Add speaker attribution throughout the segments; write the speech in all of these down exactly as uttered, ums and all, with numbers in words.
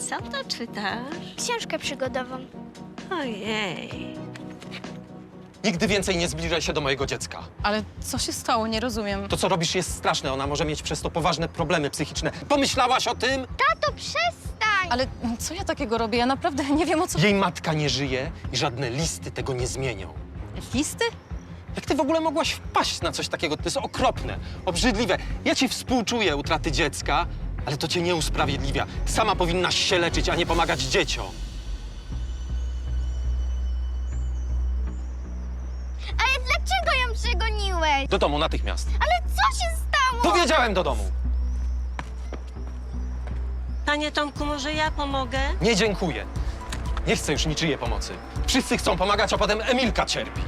Speaker 1: Co to czytasz?
Speaker 2: Książkę przygodową.
Speaker 1: Ojej.
Speaker 3: Nigdy więcej nie zbliżaj się do mojego dziecka.
Speaker 4: Ale co się stało? Nie rozumiem.
Speaker 3: To, co robisz, jest straszne. Ona może mieć przez to poważne problemy psychiczne. Pomyślałaś o tym?
Speaker 2: Tato, przestań!
Speaker 4: Ale co ja takiego robię? Ja naprawdę nie wiem, o co...
Speaker 3: Jej matka nie żyje i żadne listy tego nie zmienią.
Speaker 4: Listy?
Speaker 3: Jak ty w ogóle mogłaś wpaść na coś takiego? To jest okropne, obrzydliwe. Ja ci współczuję utraty dziecka, ale to cię nie usprawiedliwia. Sama powinnaś się leczyć, a nie pomagać dzieciom.
Speaker 2: Ale dlaczego ją przegoniłeś?
Speaker 3: Do domu natychmiast.
Speaker 2: Ale co się stało?
Speaker 3: Powiedziałem do domu.
Speaker 1: Panie Tomku, może ja pomogę?
Speaker 3: Nie dziękuję. Nie chcę już niczyjej pomocy. Wszyscy chcą pomagać, a potem Emilka cierpi.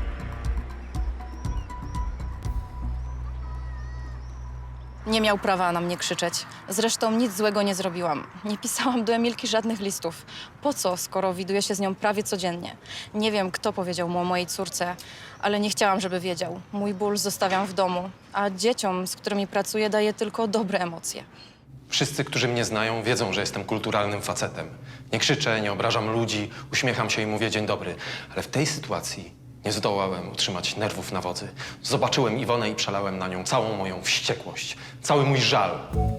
Speaker 4: Nie miał prawa na mnie krzyczeć. Zresztą nic złego nie zrobiłam. Nie pisałam do Emilki żadnych listów. Po co, skoro widuję się z nią prawie codziennie? Nie wiem, kto powiedział mu o mojej córce, ale nie chciałam, żeby wiedział. Mój ból zostawiam w domu, a dzieciom, z którymi pracuję, daję tylko dobre emocje.
Speaker 3: Wszyscy, którzy mnie znają, wiedzą, że jestem kulturalnym facetem. Nie krzyczę, nie obrażam ludzi, uśmiecham się i mówię dzień dobry. Ale w tej sytuacji nie zdołałem utrzymać nerwów na wodzy. Zobaczyłem Iwonę i przelałem na nią całą moją wściekłość, cały mój żal.